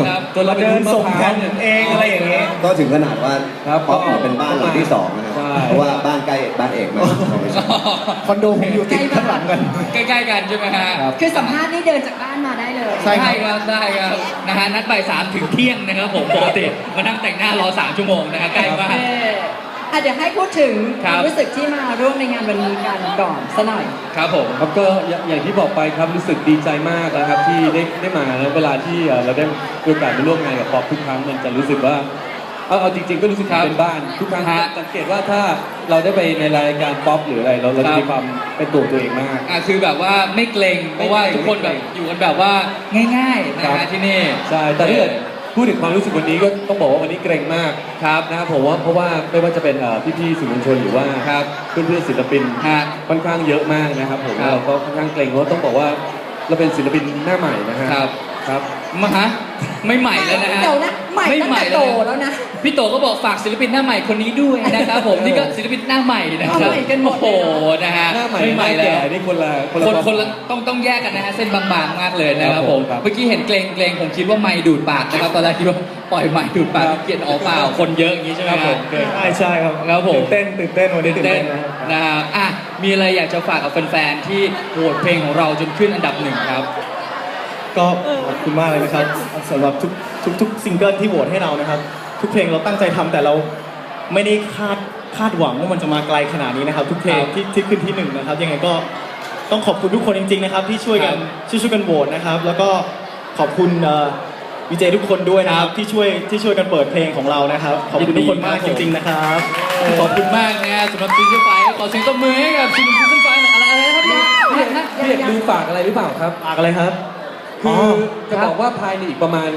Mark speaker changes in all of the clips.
Speaker 1: นะครับ
Speaker 2: จนเราเดินส่งแผ่นเองอะไรอย่างเงี้ย
Speaker 3: ก็ถึงขนาดว่า
Speaker 2: ครับ
Speaker 3: ป๊อปเนี่ยเป็นบ้านหลังที่สองนะครับ
Speaker 2: ใช่
Speaker 3: เพราะว่าบ้านใกล้บ้านเอกมาก
Speaker 2: คอนโดผมอยู่ติดข้างหลังกัน
Speaker 1: ใกล้ๆกันใช่ไหมฮะ
Speaker 2: ครับ
Speaker 4: คือสัมภาษณ์นี่เดินจากบ้านมาได้เลย
Speaker 2: ใช่
Speaker 1: ได้ครับได้ครับนะฮะนัดบ่าย3 ถึงเที่ยงนะครับผมปกติมานั่งแต่งหน้ารอ3 ชั่วโมงนะฮะใกล้มาก
Speaker 4: เดี๋ยวให้พูดถึง
Speaker 1: ค
Speaker 4: ครับ วามรู้สึกที่มาร่วมในงานวันนี้กันก่อนซะหน่อย
Speaker 1: ครับผม
Speaker 2: ครับก็อย่างที่บอกไปครับรู้สึกดีใจมากนะครับที่ได้มาแล้วเวลาที่เราได้มีโอกาสไปร่วมงานกับป๊อปทุกครั้งมันจะรู้สึกว่าเอาจริงๆก็รู้สึก
Speaker 1: ครับ
Speaker 2: เป็นบ้านทุกครั้ง
Speaker 1: ฮะ
Speaker 2: สังเกตว่าถ้าเราได้ไปในรายการป๊อปหรืออะไรเราจะมีความเป็นตัวเองมาก
Speaker 1: คือแบบว่าไม่เกรงเพราะว่าทุกคนแบบอยู่กันแบบว่าง่ายๆนะ
Speaker 2: ครั
Speaker 1: ฮะ
Speaker 2: บ
Speaker 1: ที่นี่
Speaker 2: ใช่แต่ถ้าเกิดพูดถึงความรู้สึกวันนี้ก็ต้องบอกว่าวันนี้เกรงมาก
Speaker 1: ครับ
Speaker 2: นะครับผมว่าเพราะว่าไม่ว่าจะเป็นพี่ๆสื่อมวลชนหรือว่า
Speaker 1: ครับ
Speaker 2: เพื่อนๆศิลปิน
Speaker 1: ฮะ
Speaker 2: ค่อนข้างเยอะมากนะครับผม
Speaker 1: ครับ
Speaker 2: เราก็ค่อนข้างเกรงเพราะต้องบอกว่าเราเป็นศิลปินหน้าใหม่นะฮะ
Speaker 1: ครับ
Speaker 2: ครับ
Speaker 1: มาฮะไม่ใหม่แล้วนะฮะ
Speaker 4: เดี๋ยวนะใหม่ตั้งแต่โตแล้วนะ
Speaker 1: พี่โตก็บอกฝากศิลปินหน้าใหม่คนนี้ด้วยนะครับผมนี่ก็ศิลปินหน้าใหม่นะครับ
Speaker 4: เอาใหม่กันหมดเลย
Speaker 1: โอ้โหนะฮะ
Speaker 2: หน้าใหม่
Speaker 1: ไม่ใหม่
Speaker 2: หน้า
Speaker 1: แล้
Speaker 2: แก่
Speaker 1: ว
Speaker 2: นี่คนละ
Speaker 1: คนละต้องแยกกันนะฮะเส้นบางๆมากเลยนะครับผม
Speaker 2: ครับ
Speaker 1: เมื่อกี้เห็นเกรงผมคิดว่าไม้ดูดปากนะครับตอนแรกคิดว่าปล่อยไม้ดูดปาก
Speaker 2: ครับ
Speaker 1: เกลียดออกเปล่าคนเยอะอย่างนี้ใช่ไหม
Speaker 2: ครับผม
Speaker 5: ใช่ครับ
Speaker 1: ครับผม
Speaker 5: ตื่นเต้นวันนี้ตื่น
Speaker 1: เต้
Speaker 5: เต้
Speaker 1: น
Speaker 5: นนะครับ
Speaker 1: นะครับอ่ะมีอะไรอยากจะฝากกับแฟนๆที่โหวตเพลงของเราจนขึ้นอันดับหนึ่งครับ
Speaker 5: ก็ขอบคุณมากเลยนะครับสำหรับทุกซิงเกิลที่โหวตให้เรานะครับ ทุกเพลงเราตั้งใจทำแต่เราไม่ได้คาดหวังว่ามันจะมาไกลขนาดนี้นะครับ ทุกเพลง
Speaker 1: ครับ
Speaker 5: ที่ขึ้นที่หนึ่งนะครับยังไงก็ต้องขอบคุณทุกคนจริงๆนะครับที่ช่วยกัน
Speaker 1: ครับ
Speaker 5: ช่วยกันโหวตนะครับ แล้วก็ขอบคุณวีเจทุกคนด้วยนะครับที่ช่วยกันเปิดเพลงของเรานะครับ ขอบคุณทุกคนมากจริงๆนะครับ
Speaker 1: ขอบคุณมากนะสำหรับซีซั่นไฟขอเสียงตบมือให้กับซีซั่นไฟอะไรนะครับ
Speaker 2: พี่เอกดูฝากอะไรหรือเปล่าครับ
Speaker 5: ฝากอะไรครับ
Speaker 2: คือจะบอกว่าภายในอีกประมาณ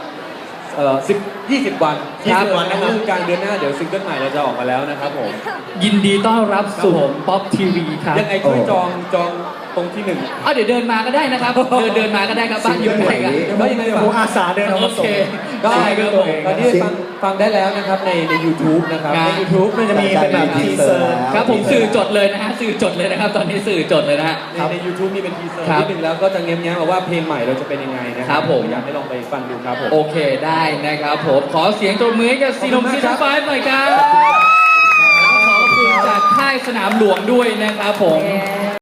Speaker 2: 20 วัน
Speaker 5: 20 วันนะครับ
Speaker 2: เรื่องกลางเดือนหน้าเดี๋ยวซิงเกิลใหม่เราจะออกมาแล้วนะครับผม
Speaker 1: ยินดีต้อนรับสู่ป๊อปทีวีครับ
Speaker 2: ยังไงช่วยจองตรงที่หนึ่ง
Speaker 1: เดี๋ยวเดินมาก็ได้นะครับ เดินมาก็ได้ครับบ้านอยู่ไหนกัน
Speaker 2: เดี๋ยวว่ายังไง
Speaker 5: เดี๋ยว
Speaker 2: ฝาก
Speaker 5: ผมอาสาเดินออก
Speaker 1: โอ
Speaker 5: มาส่
Speaker 1: เค
Speaker 5: ง
Speaker 2: ได้
Speaker 1: ได้ครับผม
Speaker 2: ตอนนี้ฟังได้แล้วนะครับใน YouTube นะครับ
Speaker 1: ครับ
Speaker 2: ใน YouTube
Speaker 5: มันจะมีเป็นแบบทีเซอร์
Speaker 1: ครับผมสื่อจดเลยนะฮะสื่อจดเลยนะครับ ตอนนี้สื่อจดเลยนะฮะ
Speaker 2: ใน YouTube มีเป็นทีเซอร์
Speaker 1: ครับ
Speaker 2: นิดนึงแล้วก็จะเง้มๆมาว่าเพลงใหม่เราจะเป็นยังไงนะค
Speaker 1: ครั
Speaker 2: รับ
Speaker 1: ผม
Speaker 2: อยากให้ลองไปฟังดูครับผม
Speaker 1: โอเคได้นะครับผม ขอเสียงตบมือให้กับซีนมซีซั่นไฟหน่อยครับขอบคุณจากค่ายสนามหลวงด้วยนะครับผม